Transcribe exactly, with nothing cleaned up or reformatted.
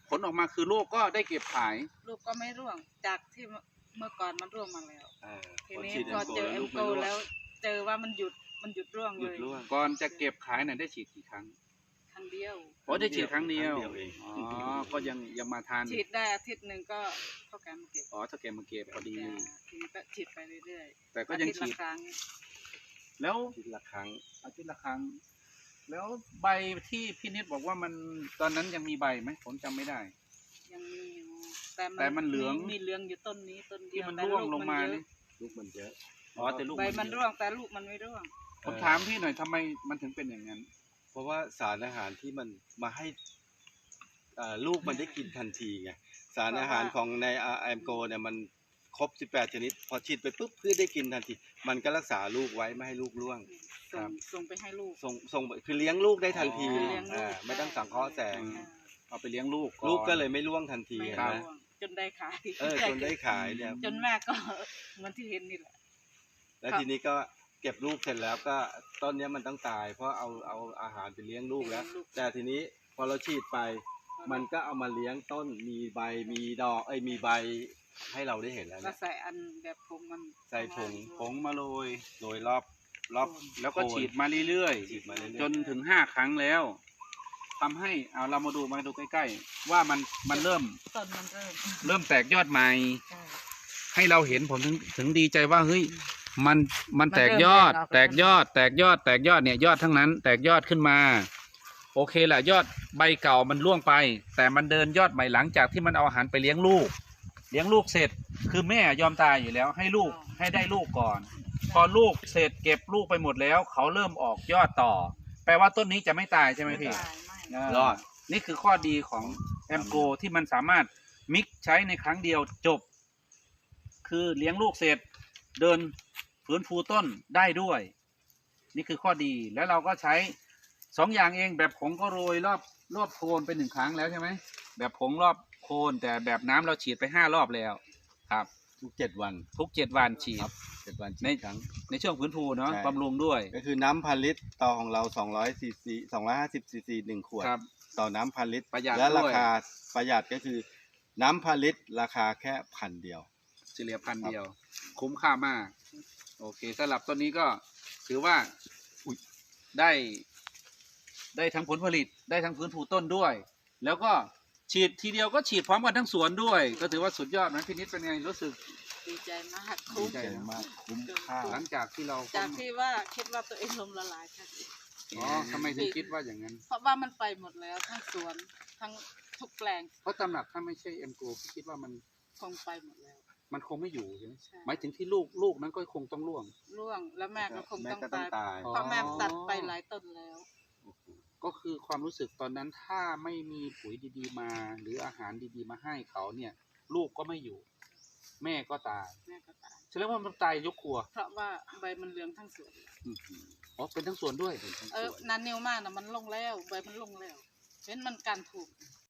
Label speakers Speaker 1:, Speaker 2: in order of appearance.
Speaker 1: ผลออกมาคือลูกก็ได้เก็บขาย
Speaker 2: ลูกก็ไม่ร่วงจากที่เมื่อก่อนมันร่วงมาแล้วทีนี้
Speaker 3: ฉีด
Speaker 2: พอเจอ
Speaker 3: แอ
Speaker 2: เอ็
Speaker 3: ม
Speaker 2: ม
Speaker 3: โก
Speaker 2: โกแล้วเจอว่ามันหยุดมันหยุดร่วง
Speaker 3: ห
Speaker 2: เล
Speaker 3: ยุด
Speaker 2: ย
Speaker 3: ร่วง
Speaker 1: ก่อนจะเก็บขายน่ะได้ฉีดกี่ครั้ง
Speaker 2: ครั้งเดียว
Speaker 1: โอ้ได้ฉีดครั้งเดียว
Speaker 3: ครั้งเดียวเอง
Speaker 1: อ๋อก็ยังยังมาทาน
Speaker 2: ฉีดได้อาทิตย์หนึ่งก็เท่ากันมาเก็บ
Speaker 1: อ๋อถ้าเก็บมาเก็บพอดี
Speaker 2: จ้ะทีนี้ก็ฉีดไปเรื่อย
Speaker 1: แต่
Speaker 2: ๆ
Speaker 1: ก็ยัง
Speaker 2: อาทิตย์
Speaker 1: ฉี
Speaker 2: ละ
Speaker 1: ด
Speaker 2: ครั้ง
Speaker 1: แล้ว
Speaker 3: ทีละครั้ง
Speaker 1: อาทิตย์ละครั้ง แล้วใบที่พี่นิดบอกว่ามันตอนนั้นยังมีใบไหมผมจำไม่ได้
Speaker 2: ยังมีอยู่
Speaker 1: แต่มันเหลือง
Speaker 2: มีเหลืองอยู่ต้นนี้ต้นเดี
Speaker 1: ที่
Speaker 2: ยว
Speaker 1: มัน
Speaker 2: แต่
Speaker 1: ร่วง
Speaker 2: ก
Speaker 1: ลงมา
Speaker 2: เยอะ
Speaker 1: นี่
Speaker 3: ลูกมันเยอะ
Speaker 1: อ๋อแต่ลูก
Speaker 2: ใบมัน
Speaker 1: เยอะ
Speaker 2: ร่วงแต่ลูกมันไม่ร่วง
Speaker 1: ผมถามพี่หน่อยทำไมมันถึงเป็นอย่างนั้น
Speaker 3: เพราะว่าสารอาหารที่มันมาให้อ่าลูกมันได้กินทันทีไงสารอาหารของในแอมโกเนี่ยมันครบสิบแปดชนิดพอฉีดไปปุ๊บเพื่อได้กินทันทีมันก็รักษาลูกไว้ไม่ให้ลูกร่วง
Speaker 2: ส่งส่งไปให้ลูก
Speaker 3: ส่งส่งคือเลี้ยงลูกได้ทันที
Speaker 2: อ๋อเลี้ยงลูก
Speaker 3: อ่าไม่ต้องสังเคราะห์แสง
Speaker 2: อ่า
Speaker 1: เอาไปเลี้ยงลูกอน
Speaker 3: ลูกก็เลยไม่ร่วงทันที
Speaker 2: ไม่
Speaker 3: เห็น
Speaker 2: ร่
Speaker 3: ไหม
Speaker 2: วงจนได้ขาย
Speaker 3: เออจนได้ขายเนี่ย
Speaker 2: จนแม่ก็ เหมือนที่เห็นนี่แหละ
Speaker 3: แล้วทีนี้ก็เก็บลูกเสร็จแล้วก็ต้นเนี้ยมันต้องตาย เพราะเอาเอาอาหารไปเลี้ยงลูกแล้ว แต่ทีนี้พอเราฉีดไป มันก็เอามาเลี้ยงต้นมีใบมีดอกเอ้ยมีใบให้เราได้เห็นแล้ว
Speaker 2: ก็
Speaker 3: เนี่ย
Speaker 2: ใส่อันแบบผงมัน
Speaker 3: ใส่ผง
Speaker 1: ผงมาโรย
Speaker 3: โดยรอบรอบ
Speaker 1: แล้วก็ฉีดมาเรื่อย
Speaker 3: ฉีดมาเรื่อยๆ
Speaker 1: จนถึงห้าครั้งแล้วทำให้เอาเรามาดูมาดูใกล้ๆ ว่ามันมันเริ่ม
Speaker 2: ต้นมันเริ่ม
Speaker 1: เริ่มแตกยอดใหม่
Speaker 2: ใช่
Speaker 1: ให้เราเห็นผมถึงถึงดีใจว่าเฮ้ยมันมันแตกยอด
Speaker 2: มันเริ่ม
Speaker 1: แตกยอด แตกยอด แตกยอดเนี่ยยอดทั้งนั้น แตกยอดขึ้นมา โอเคแหละยอดใบเก่ามันร่วงไป แต่มันเดินยอดใหม่หลังจากที่มันเอาอาหารไปเลี้ยงลูก เลี้ยงลูกเสร็จ คือแม่ยอมตายอยู่แล้ว ให้ลูกให้ได้ลูกก่อน พอลูกเสร็จเก็บลูกไปหมดแล้ว เขาเริ่มออกยอดต่อ แปลว่าต้นนี้จะไม่ตายใช่ไหมพี่
Speaker 2: ตายไม่
Speaker 1: เรอดนี่คือข้อดีของแอมโกที่มันสามารถมิกใช้ในครั้งเดียวจบ คือเลี้ยงลูกเสร็จ เดินฟื้นฟูต้นได้ด้วย นี่คือข้อดีแล้วเราก็ใช้สองอย่างเองแบบผงก็โรยรอบรอบโคนไปหนึ่งครั้งแล้วใช่ไหมแบบผงรอบโคนแต่แบบน้ำเราฉีดไปห้ารอบแล้วครับ
Speaker 3: ทุกเจ็ดวัน
Speaker 1: ทุกเจ็ดวันฉีด
Speaker 3: ครับเจ็ดวันฉี
Speaker 1: ใน
Speaker 3: ดครั้ง
Speaker 1: ในช่วงฟื้นฟูเนาะ
Speaker 3: ใช่
Speaker 1: บำรุงด้วย
Speaker 3: ก็คือน้ำพันลิตรต่อของเราสองร้อยซีซีสองร้อยห้าสิบซีซีหนึ่งขวด
Speaker 1: ครับ
Speaker 3: ต่อน้ำพันลิตร
Speaker 1: ประหยัด
Speaker 3: และรา
Speaker 1: ด้วย
Speaker 3: คาประหยัดก็คือน้ำพันลิตรราคาแค่พันเดียว
Speaker 1: เฉลี่ยพันเดียว คุ้มค่ามาก โอเคสำหรับต้นนี้ก็ถือว่าอุ๊ยได้ได้ทั้งผลผลิตได้ทั้งฟื้นฟูต้นด้วย แล้วก็ฉีดทีเดียวก็ฉีดพร้อมกันทั้งสวนด้วย ก็ถือว่าสุดยอดนะพี่นิดเป็นไงรู้สึก
Speaker 2: ดีใจมาก
Speaker 1: ดี
Speaker 2: คุ้ม
Speaker 1: ใจ
Speaker 3: มากคุ้มค่า
Speaker 1: หลังจากที่เรา
Speaker 2: จากที่ว่าคิดว่าตัวเองลมละลายค่ะ
Speaker 1: อ๋อทำไมถึงคิดว่าอย่างนั้น
Speaker 2: เพราะว่ามันไปหมดแล้วทั้งสวนทั้งทุกแปลง
Speaker 1: เพราะตำหนักถ้าไม่ใช่เอ็มโกคิดว่ามัน
Speaker 2: คงไปหมดแล้ว
Speaker 1: มันคงไม่อยู่ใช่ไหม
Speaker 2: ใช่
Speaker 1: หมายถึงที่ลูกลูกนั้นก็คงต้องร่วง
Speaker 2: ร่วงแล้วแม่ก็คง
Speaker 3: แม่
Speaker 2: ต้อง
Speaker 3: ก็ต้อง
Speaker 2: ตาย
Speaker 3: ตาย
Speaker 1: อ๋อ
Speaker 2: เพราะแม่ตัดไปหลายต้นแล้ว
Speaker 1: ก็คือความรู้สึกตอนนั้นถ้าไม่มีปุ๋ยดีๆมา หรืออาหารดีๆมาให้เขาเนี่ย ลูกก็ไม่อยู่ แม่ก็ตาย
Speaker 2: แม่ก็ตาย
Speaker 1: แสดงว่ามันตายยกครัว
Speaker 2: เพราะว่าใบมันเหลืองทั้งสวน
Speaker 1: อื้อหืออ๋อเป็นทั้งสวนด้วย
Speaker 2: เออนันนิวมากนะมันลงแล้วใบมันลงแล้วเห็นมันการถูก